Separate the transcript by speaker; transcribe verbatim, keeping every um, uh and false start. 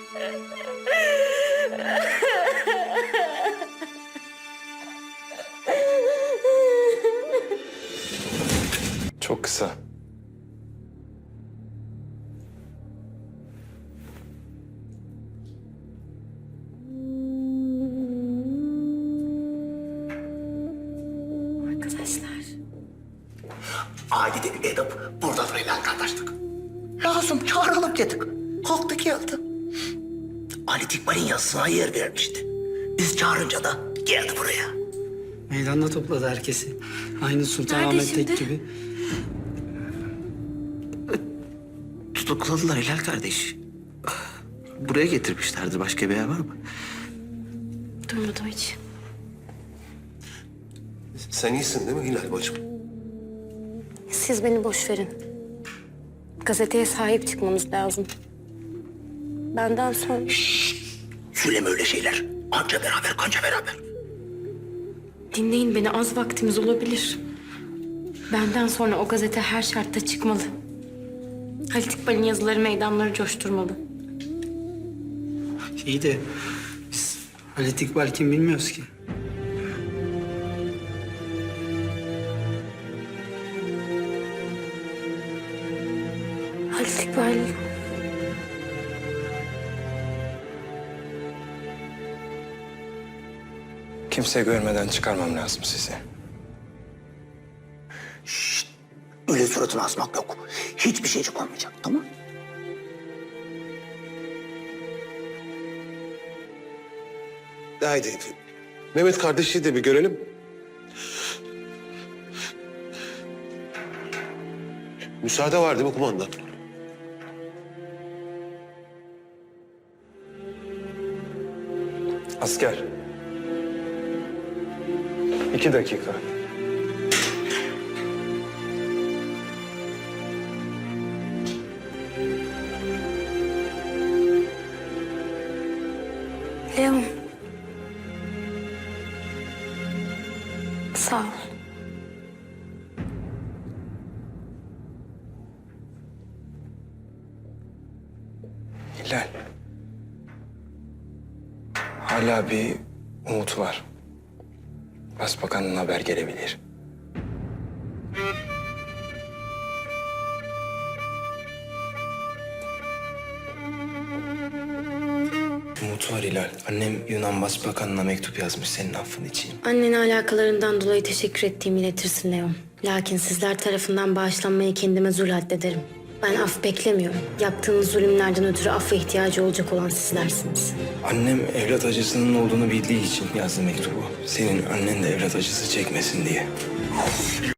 Speaker 1: Çok kısa.
Speaker 2: Arkadaşlar.
Speaker 3: Ailede edip burada durayla kardeşlik. Lazım çağıralım dedik. Kalktı geldi. Ali Dikmen'in yazısına yer vermişti. Biz çağırınca da geldi buraya.
Speaker 4: Meydanda topladı herkesi. Aynı
Speaker 2: Nerede
Speaker 4: Sultanahmet
Speaker 2: şimdi?
Speaker 4: Tek gibi.
Speaker 3: Tutukladılar Hilal kardeş. Buraya getirmişlerdi. Başka bir yer var mı?
Speaker 2: Duymadım hiç.
Speaker 5: Sen iyisin değil mi Hilal bacım?
Speaker 2: Siz beni boş verin. Gazeteye sahip çıkmamız lazım. Benden sonra...
Speaker 3: Söyleme öyle şeyler. Anca beraber, kanca beraber.
Speaker 2: Dinleyin beni, az vaktimiz olabilir. Benden sonra o gazete her şartta çıkmalı. Halit İkbal'in yazıları meydanları coşturmalı.
Speaker 4: İyi de biz Halit İkbal kim bilmiyoruz ki.
Speaker 2: Halit İkbal...
Speaker 1: Kimse görmeden çıkarmam lazım sizi.
Speaker 3: Öyle suratını asmak yok. Hiçbir şeycik olmayacak, tamam?
Speaker 5: Haydi. Mehmet kardeşi de bir görelim. Müsaade var değil mi kumandan?
Speaker 1: Asker. İki dakika.
Speaker 2: Leon. Sağ ol.
Speaker 1: Hilal. Hala bir umut var. Başbakanın haber gelebilir. Umut var Hilal. Annem Yunan Başbakanına mektup yazmış senin affın için.
Speaker 2: Annene alakalarından dolayı teşekkür ettiğimi iletirsin Leon. Lakin sizler tarafından bağışlanmayı kendime zul addederim. Ben af beklemiyorum. Yaptığınız zulümlerden ötürü affa ihtiyacı olacak olan sizlersiniz.
Speaker 1: Annem evlat acısının olduğunu bildiği için yazdı mektubu. Senin annen de evlat acısı çekmesin diye.